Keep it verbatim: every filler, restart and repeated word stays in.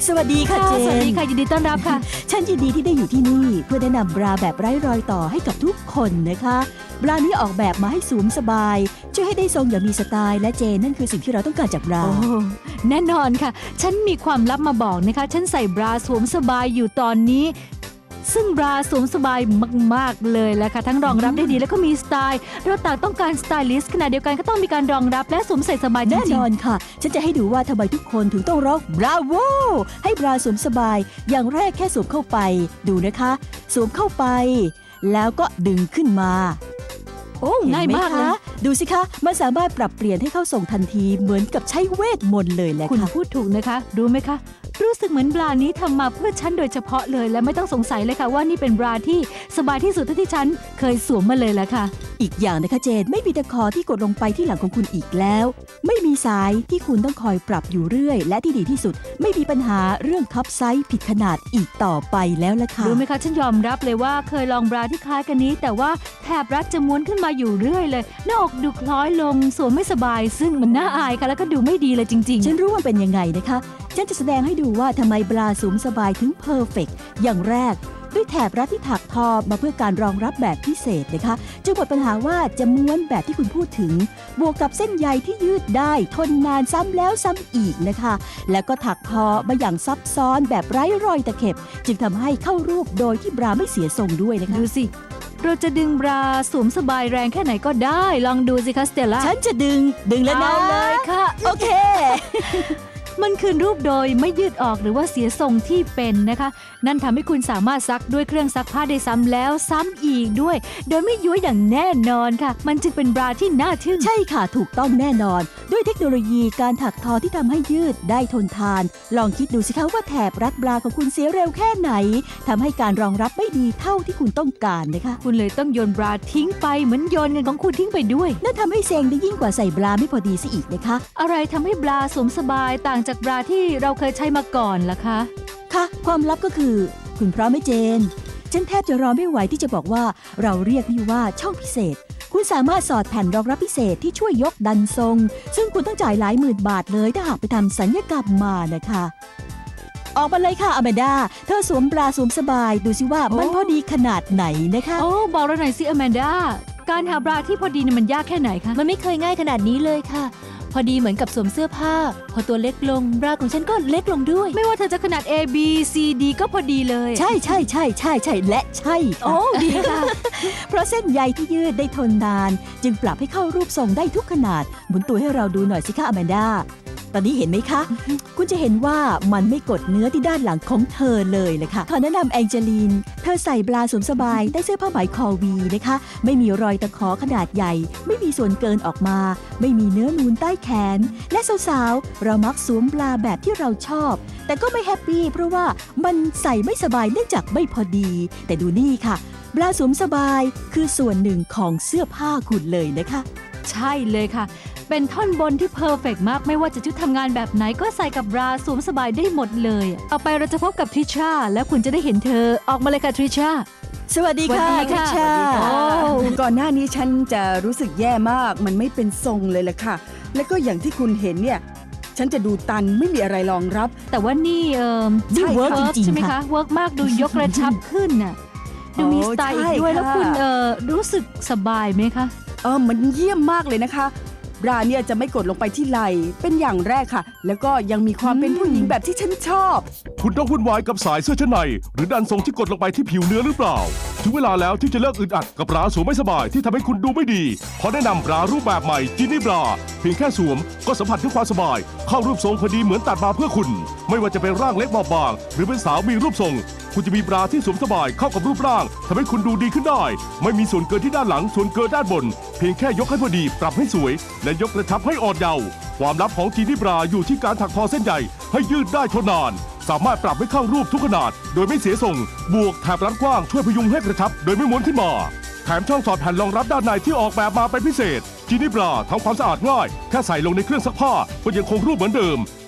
สวัสดีค่ะเจนสวัสดีค่ะยินดีต้อนรับค่ะฉันยินดีที่ได้อยู่ที่นี่เพื่อแนะนำบราแบบไร้รอยต่อให้กับทุกคนนะคะบรานี้ออกแบบมาให้สวมสบายช่วยให้ได้ทรงอย่างมีสไตล์และเจนนั่นคือสิ่งที่เราต้องการจากบราโอ้แน่นอนค่ะฉันมีความลับมาบอกนะคะฉันใส่บราสวมสบายอยู่ตอนนี้ซึ่งบราสวมสบายมากๆเลยแหละค่ะทั้งรองรับได้ดีแล้วก็มีสไตล์เราต่างต้องการสไตลิสต์ขณะเดียวกันก็ต้องมีการรองรับและสวมใส่สบายจแน่รินงอนค่ะฉันจะให้ดูว่าทำไมทุกคนถึงต้องร้องบราโวให้บราสวมสบายอย่างแรกแค่สวมเข้าไปดูนะคะสวมเข้าไป แล้วก็ดึงขึ้นมาๆโอ้ง่ายเห็นไหมากนะคะดูสิคะมันสามารถปรับเปลี่ยนให้เข้าส่งทันทีเหมือนกับใช้เวทมนต์เลยแหละคุณค่ะพูดถูกนะคะรู้ไหมคะรู้สึกเหมือนบรานี้ทำมาเพื่อฉันโดยเฉพาะเลยและไม่ต้องสงสัยเลยค่ะว่านี่เป็นบราที่สบายที่สุดเท่าที่ฉันเคยสวมมาเลยแหละค่ะอีกอย่างนะคะเจนไม่มีตะขอที่กดลงไปที่หลังของคุณอีกแล้ว ไม่มีสายที่คุณต้องคอยปรับอยู่เรื่อย และที่ดีที่สุดไม่มีปัญหาเรื่องคับไซส์ผิดขนาดอีกต่อไปแล้วล่ะค่ะรู้ไหมคะฉันยอมรับเลยว่าเคยลองบราที่คล้ายกันนี้ แต่ว่าแถบรัดจะม้วนขึ้นมาอยู่เรื่อยเลยหน้าอกดูคล้อยลงสวมไม่สบาย ซึ่งมันน่าอายค่ะแล้วก็ดูไม่ดีเลยจริงฉันรู้ว่าเป็นยังไงนะคะฉันจะแสดงให้ดูว่าทำไมบราสวมสบายถึงเพอร์เฟกต์อย่างแรกด้วยแถบรัดที่ถักทอมาเพื่อการรองรับแบบพิเศษนะคะจึงหมดปัญหาว่าจะม้วนแบบที่คุณพูดถึง บวกกับเส้นใยที่ยืดได้ทนนานซ้ำแล้วซ้ำอีกนะคะ แล้วก็ถักทอมาอย่างซับซ้อนแบบไร้รอยตะเข็บ จึงทำให้เข้ารูปโดยที่บราไม่เสียทรงด้วยนะๆคะดูสิ เราจะดึงบราสวมสบายแรงแค่ไหนก็ได้ ลองดูสิคะสเตลล่าฉันจะดึงดึงแล้วนะเอาเลยค่ะโอเคมันคืนรูปโดยไม่ยืดออกหรือว่าเสียทรงที่เป็นนะคะ นั่นทำให้คุณสามารถซักด้วยเครื่องซักผ้าได้ซ้ำแล้วซ้ำอีกด้วย โดยไม่ย้วยอย่างแน่นอนค่ะ มันจึงเป็นบราที่น่าทึ่งใช่ค่ะถูกต้องแน่นอน ด้วยเทคโนโลยีการถักทอที่ทำให้ยืดได้ทนทาน ลองคิดดูสิคะว่าแถบรัดบราของคุณเสียเร็วแค่ไหนทำให้การรองรับไม่ดีเท่าที่คุณต้องการนะคะคุณเลยต้องโยนบราทิ้งไปเหมือนโยนเงินของคุณทิ้งไปด้วยนั่นทำให้เซ็งได้ยิ่งกว่าใส่บราไม่พอดีซะอีกนะคะอะไรทำให้บราสวมสบายต่างจากบราที่เราเคยใช้มาก่อนล่ะคะค่ะ ความลับก็คือ คุณพร้อมไหมเจน ฉันแทบจะรอไม่ไหวที่จะบอกว่าเราเรียกนี่ว่าช่องพิเศษ คุณสามารถสอดแผ่นรองรับพิเศษที่ช่วยยกดันทรง ซึ่งคุณต้องจ่ายหลายหมื่นบาทเลยถ้าหากไปทำสัญญกรรมมานะคะ ออกมาเลยค่ะอแมนดาเธอสวมบราสวมสบายดูสิว่ามันโอ้พอดีขนาดไหนนะคะโอ้บอกเราหน่อยสิอแมนดาการหาบราที่พอดีเนี่ยมันยากแค่ไหนคะมันไม่เคยง่ายขนาดนี้เลยค่ะ พอดีเหมือนกับสวมเสื้อผ้า พอตัวเล็กลงบราของฉันก็เล็กลงด้วยไม่ว่าเธอจะขนาด A B C D ก็พอดีเลยใช่ใช่ใช่ใช่ใช่และใช่โอ้ค่ะดีค่ะเพราะเส้นใยที่ยืดได้ทนนาน จึงปรับให้เข้ารูปทรงได้ทุกขนาดหมุนตัวให้เราดูหน่อยสิคะอแมนดาตอนนี้เห็นไหมคะ คุณจะเห็นว่ามันไม่กดเนื้อที่ด้านหลังของเธอเลยเลยค่ะขอแนะนำแองเจลีน เธอใส่บราสวมสบายได้เสื้อผ้าไหมคอวีนะคะ ไม่มีรอยตะขอขนาดใหญ่ ไม่มีส่วนเกินออกมา ไม่มีเนื้อนูนใต้แขน และสาวๆ เรามักสวมบราแบบที่เราชอบ แต่ก็ไม่แฮปปี้เพราะว่ามันใส่ไม่สบายเนื่องจากไม่พอดี แต่ดูนี่ค่ะ บราสวมสบายคือส่วนหนึ่งของเสื้อผ้าคุณเลยนะคะใช่เลยค่ะ เป็นท่อนบนที่เพอร์เฟกต์มากไม่ว่าจะชุดทำงานแบบไหนก็ใส่กับบราสวมสบายได้หมดเลยต่อไปเราจะพบกับทริชาแล้วคุณจะได้เห็นเธอออกมาเลยค่ะทริชาสวัสดีค่ะสวัสดีค่ะณชาโอ้ก่อนหน้านี้ฉันจะรู้สึกแย่มาก มันไม่เป็นทรงเลยแหละค่ะ แล้วก็อย่างที่คุณเห็นเนี่ย ฉันจะดูตันไม่มีอะไรรองรับแต่ว่านี่เอ่อนี่ใช่เวิร์กเวิร์กจริงใช่ไหมๆค่ะคะเวิร์กมากดูยกกระชับขึ้นน่ะดูมีโอ้สไตล์อีกใช่ด้วยแล้วค่ะคุณเอ่อรู้สึกสบายไหมคะเออมันเยี่ยมมากเลยนะคะ บราเนี่ยจะไม่กดลงไปที่ไหล่เป็นอย่างแรกค่ะ แล้วก็ยังมีความเป็นผู้หญิงแบบที่ฉันชอบคุณต้องวุ่นวายกับสายเสื้อชั้นใน หรือดันทรงที่กดลงไปที่ผิวเนื้อหรือเปล่า ถึงเวลาแล้วที่จะเลิกอึดอัดกับบราสวมไม่สบายที่ทำให้คุณดูไม่ดีขอแนะนำบรารูปแบบใหม่จินี่บราเพียงแค่สวมก็สัมผัสถึงความสบาย เข้ารูปทรงพอดีเหมือนตัดมาเพื่อคุณ ไม่ว่าจะเป็นร่างเล็กบอบบาง หรือเป็นสาวมีรูปทรง คุณจะมีบราที่สวมสบายเข้ากับรูปร่างทำให้คุณดูดีขึ้นได้ ไม่มีส่วนเกินที่ด้านหลังส่วนเกินด้านบน เพียงแค่ยกให้พอดีปรับให้สวย และยกกระชับให้อ่อนเยาว์ความลับของจีนี่บราอยู่ที่การถักทอเส้นใยให้ยืดได้ทนนาน สามารถปรับให้เข้ารูปทุกขนาด โดยไม่เสียทรง บวกแถบรัดกว้างช่วยพยุงให้กระชับโดยไม่ม้วนขึ้นมา แถมช่องสอดแผ่นรองรับด้านในที่ออกแบบมาเป็นพิเศษจีนี่บราทำความสะอาดง่ายแค่ใส่ลงในเครื่องซักผ้าก็ยังคงรูปเหมือนเดิม